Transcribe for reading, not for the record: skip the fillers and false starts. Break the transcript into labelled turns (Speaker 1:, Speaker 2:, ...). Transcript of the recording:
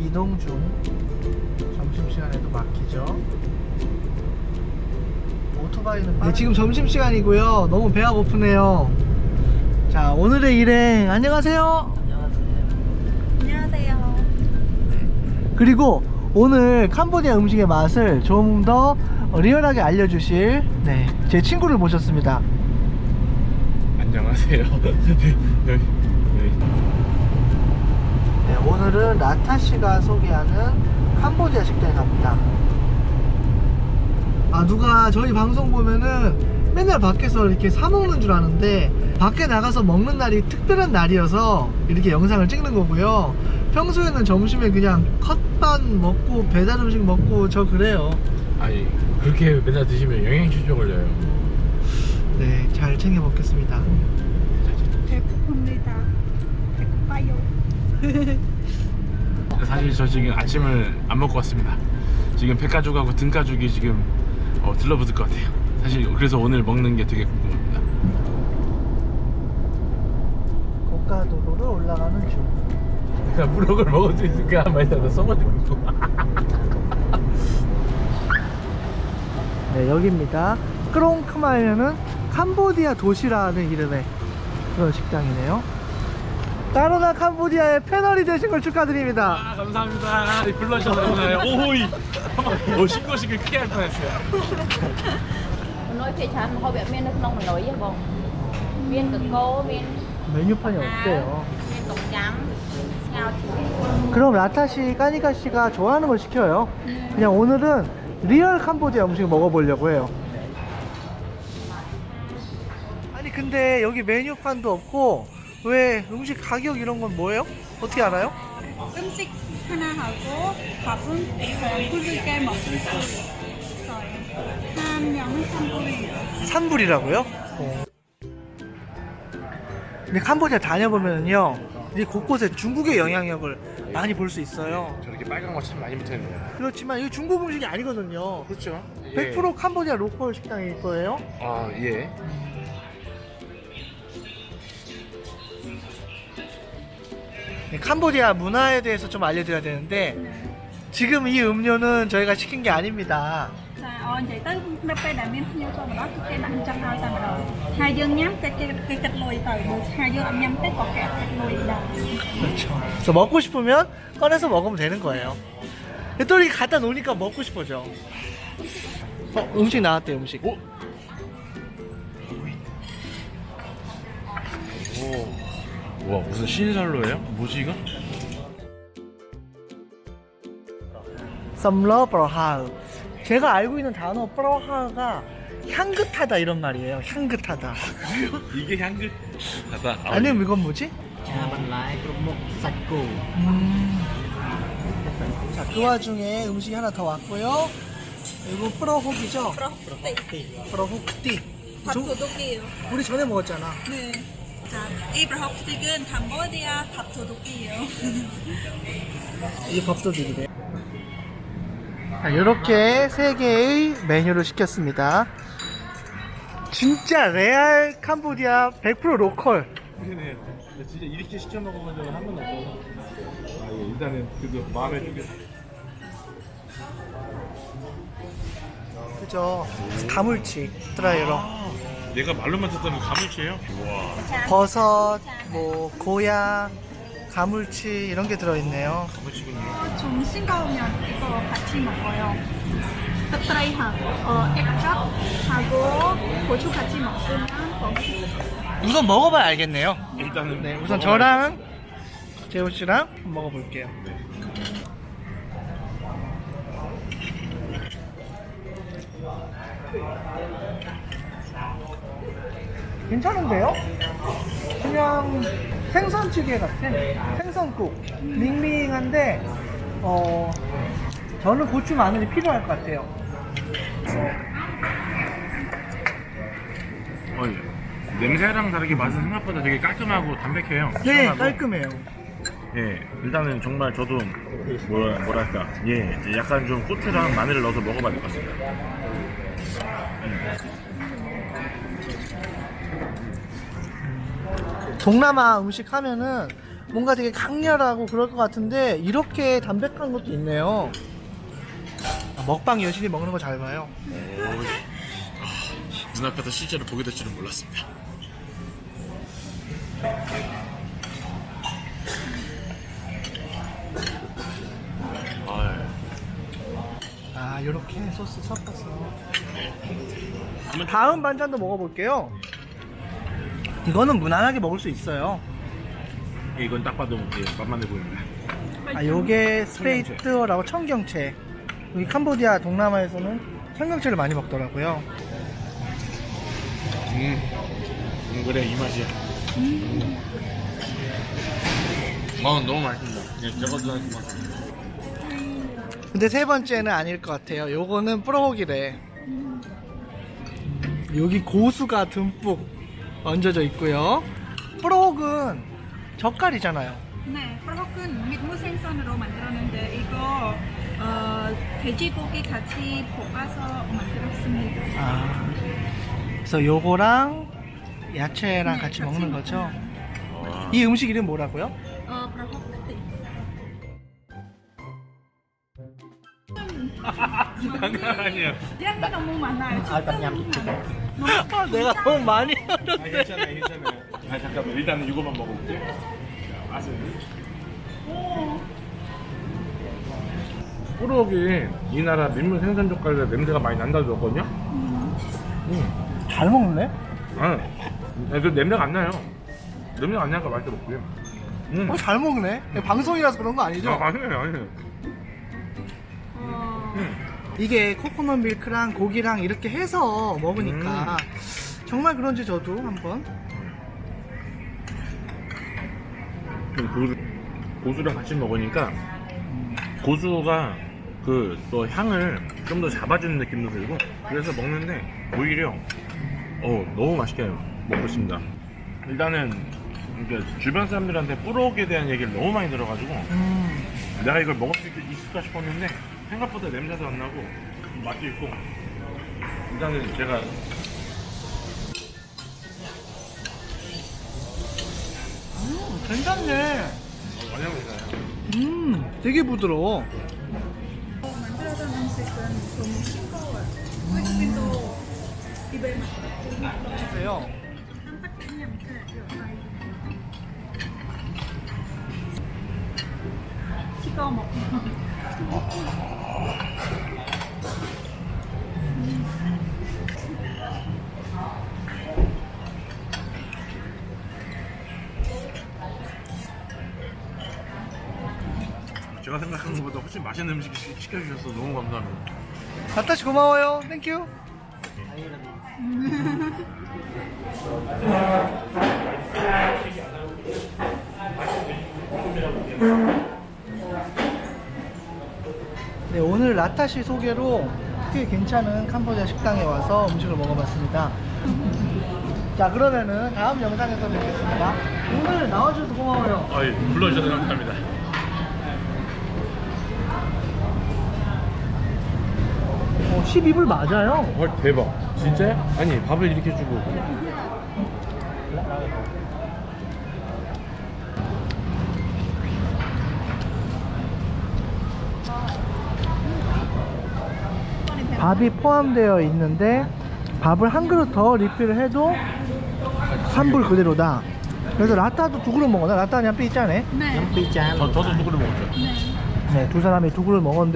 Speaker 1: 이동 중. 점심시간에도 막히죠. 오토바이는 네, 지금 점심시간이고요. 너무 배가 고프네요. 자, 오늘의 일행 안녕하세요.
Speaker 2: 안녕하세요.
Speaker 1: 그리고 오늘 캄보디아 음식의 맛을 좀 더 리얼하게 알려주실 제 친구를 모셨습니다.
Speaker 3: 안녕하세요.
Speaker 1: 네, 오늘은 라타씨가 소개하는 캄보디아 식당에 갑니다. 누가 저희 방송 보면은 맨날 밖에서 이렇게 사 먹는 줄 아는데 밖에 나가서 먹는 날이 특별한 날이어서 이렇게 영상을 찍는 거고요. 평소에는 점심에 그냥 컵반 먹고 배달 음식 먹고 저 그래요.
Speaker 3: 아니 그렇게 맨날 드시면 영양실조 걸려요.
Speaker 1: 네, 잘 챙겨 먹겠습니다.
Speaker 2: 배고픕니다. 배고파요.
Speaker 3: 사실 저 지금 아침을 안 먹고 왔습니다. 지금 배가죽하고 등가죽이 지금 들러붙을 것 같아요. 사실 그래서 오늘 먹는 게 되게 궁금합니다.
Speaker 1: 고가도로를 올라가는 중.
Speaker 3: 내가 무럭을 먹을 수 있을까 한 말이 다 써가지고.
Speaker 1: 네, 여기입니다. 크롱크마이는 캄보디아 도시라는 이름의 그런 식당이네요. 따로나 캄보디아의 패널이 되신 걸 축하드립니다.
Speaker 3: 감사합니다. 불러주셔서 감사해요. 오호이. 신고식을 크게 할 뻔했어요.
Speaker 4: nói phía trái mà họ miên nước nông mình nói với bông miên cực cô miên
Speaker 1: 메뉴판이 없대요.
Speaker 4: miên cổng trắng ngao chuối
Speaker 1: 그럼 라타씨, 까니카씨가 좋아하는 걸 시켜요. 그냥 오늘은 리얼 캄보디아 음식 먹어보려고 해요. 아니 근데 여기 메뉴판도 없고 왜 음식 가격 이런 건 뭐예요? 어떻게 알아요?
Speaker 2: 음식 하나 하고 밥은 불게 먹을 수 있어요. 한 명은 3불이에요.
Speaker 1: 3불이라고요? 근데 캄보디아 다녀보면요 이 곳곳에 중국의 영향력을 많이 볼 수 있어요.
Speaker 3: 저렇게 빨간 거 참 많이 붙어있네요.
Speaker 1: 그렇지만 이거 중국 음식이 아니거든요.
Speaker 3: 그렇죠.
Speaker 1: 100% 캄보디아 로컬 식당일 거예요.
Speaker 3: 아 예.
Speaker 1: 캄보디아 문화에 대해서 좀 알려드려야 되는데 지금 이 음료는 저희가 시킨 게 아닙니다.
Speaker 2: Dạ, vậy tới nó phải đại miếng nhau cho mà đó cái đặng chân ao ta mà rồi. Hai dương nhắm cái kịch lùi từ được hai dương ăn nhắm cái cọt kẹt kịch lùi đầu.
Speaker 1: 그렇죠. 그래서 먹고 싶으면 꺼내서 먹으면 되는 거예요. 또 이렇게 갖다 놓으니까 먹고 싶어져. 음식 나왔대요, 음식.
Speaker 3: 오. 와 무슨 신선로예요? 뭐지 이거?
Speaker 1: 썸러 브로하우. 제가 알고 있는 단어 브로하우가 향긋하다 이런 말이에요. 향긋하다.
Speaker 3: 그래요? 이게 향긋하다.
Speaker 1: 아니면 이건 뭐지? 자, 그 와중에 음식이 하나 더 왔고요. 이거 프로혹이죠? 프로혹띠.
Speaker 2: 밥 도둑이에요.
Speaker 1: 우리 전에 먹었잖아.
Speaker 2: 네. 자, 이 브라혹스틱은 캄보디아 밥 도둑이에요.
Speaker 1: 이 밥도둑이래. 자, 이렇게 3개의 메뉴를 시켰습니다. 진짜 레알 캄보디아 100% 로컬.
Speaker 3: 그러네요. 진짜 이렇게 시켜 먹어본 적은 한 번도 없어서 일단은 그래도 마음에 들게.
Speaker 1: 그죠? 가물치 드라이로
Speaker 3: 내가 말로만 듣던 그 가물치예요? 와
Speaker 1: 버섯, 뭐 고야, 가물치 이런 게 들어있네요.
Speaker 3: 가물치군요.
Speaker 2: 좀 싱거우면 이거 같이 먹어요. 닭다리하고 액젓하고 고추 같이 먹으면 맛있어요.
Speaker 1: 우선 먹어봐야 알겠네요.
Speaker 3: 일단은
Speaker 1: 네, 우선 저랑 재호 씨랑 먹어볼게요. 괜찮은데요? 그냥 생선찌개 같은 생선국 밍밍한데 저는 고추 마늘이 필요할 것 같아요.
Speaker 3: 냄새랑 다르게 맛은 생각보다 되게 깔끔하고 담백해요.
Speaker 1: 네,
Speaker 3: 시원하고.
Speaker 1: 깔끔해요.
Speaker 3: 예, 일단은 정말 저도 뭐랄까, 예, 이제 약간 좀 고추랑 마늘을 넣어서 먹어봐야 될 것 같습니다.
Speaker 1: 동남아 음식 하면은 뭔가 되게 강렬하고 그럴 것 같은데 이렇게 담백한 것도 있네요. 먹방 여신이 먹는 거 잘 봐요.
Speaker 3: 눈앞에서 실제로 보게 될 줄은 몰랐습니다.
Speaker 1: 아, 이렇게 소스 섞어서. 다음 반찬도 먹어볼게요. 이거는 무난하게 먹을 수 있어요.
Speaker 3: 이건 딱 봐도 맛만 내 보입니다.
Speaker 1: 아, 요게 스페이트라고 청경채. 여기 캄보디아 동남아에서는 청경채를 많이 먹더라고요.
Speaker 3: 그래 이 맛이야. 너무 맛있습니다. 그냥 저것도 한 맛.
Speaker 1: 근데 세 번째는 아닐 것 같아요. 요거는 뿌러기래. 여기 고수가 듬뿍 얹어져 있고요. 뿌러기는 젓갈이잖아요.
Speaker 2: 네, 프로큰 밑무 생선으로 만들었는데 이거 돼지고기 같이 볶아서 만들었습니다.
Speaker 1: 아, 그래서 요거랑 야채랑
Speaker 2: 네,
Speaker 1: 같이
Speaker 2: 같이
Speaker 1: 먹는 거죠.
Speaker 3: 와.
Speaker 1: 이 음식 이름 뭐라고요?
Speaker 2: 프로커티.
Speaker 3: 아니에요.
Speaker 2: 향이 너무 많아요.
Speaker 1: 아, 내가 너무 많이 하는데.
Speaker 3: 괜찮아요. 잠깐만 일단은 이거만 먹어볼게. 맛은. 뿌록이 이 나라 민물 생선 젓갈에 냄새가 많이 난다고 들었거든요.
Speaker 1: 잘 먹네.
Speaker 3: 그 냄새가 안 나요. 냄새가 안 나니까 맛있게 먹고요.
Speaker 1: 잘 먹네. 방송이라서 그런 거 아니죠?
Speaker 3: 아니에요.
Speaker 1: 이게 코코넛 밀크랑 고기랑 이렇게 해서 먹으니까 정말 그런지 저도 한번.
Speaker 3: 고수랑 같이 먹으니까 고수가 그 또 향을 좀 더 잡아주는 느낌도 들고 그래서 먹는데 오히려 너무 맛있게 먹고 있습니다. 일단은 그러니까 주변 사람들한테 뿌록에 대한 얘기를 너무 많이 들어가지고 내가 이걸 먹을 수 있을까 싶었는데 생각보다 냄새도 안 나고 맛도 있고 일단은 제가
Speaker 1: 괜찮네.
Speaker 3: 완전 괜찮아요.
Speaker 1: 되게 부드러워.
Speaker 2: 만들어진 음식은 너무 싱거워요. 외국인도 입에
Speaker 1: 보세요.
Speaker 2: 찍어 먹고.
Speaker 3: 제가 생각하는 것보다 훨씬 맛있는 음식 시켜주셔서 너무 감사합니다.
Speaker 1: 나타씨 고마워요. 땡큐. 네, 오늘 라타시 소개로 꽤 괜찮은 캄보디아 식당에 와서 음식을 먹어봤습니다. 자, 그러면은 다음 영상에서 뵙겠습니다. 오늘 나와주셔서 고마워요.
Speaker 3: 불러주셔서 감사합니다.
Speaker 1: 12불 맞아요.
Speaker 3: 헐 대박. 진짜요? 아니 밥을 이렇게 주고
Speaker 1: 밥이 포함되어 있는데 밥을 한 그릇 더 리필을 해도 환불 그대로다. 그래서 라따도 두 그릇 먹었나? 라따는 얌삐 있잖아요.
Speaker 2: 네.
Speaker 3: 저도 누구를 먹었죠?
Speaker 2: 네.
Speaker 1: 네, 두 사람이 두 그릇 먹었는데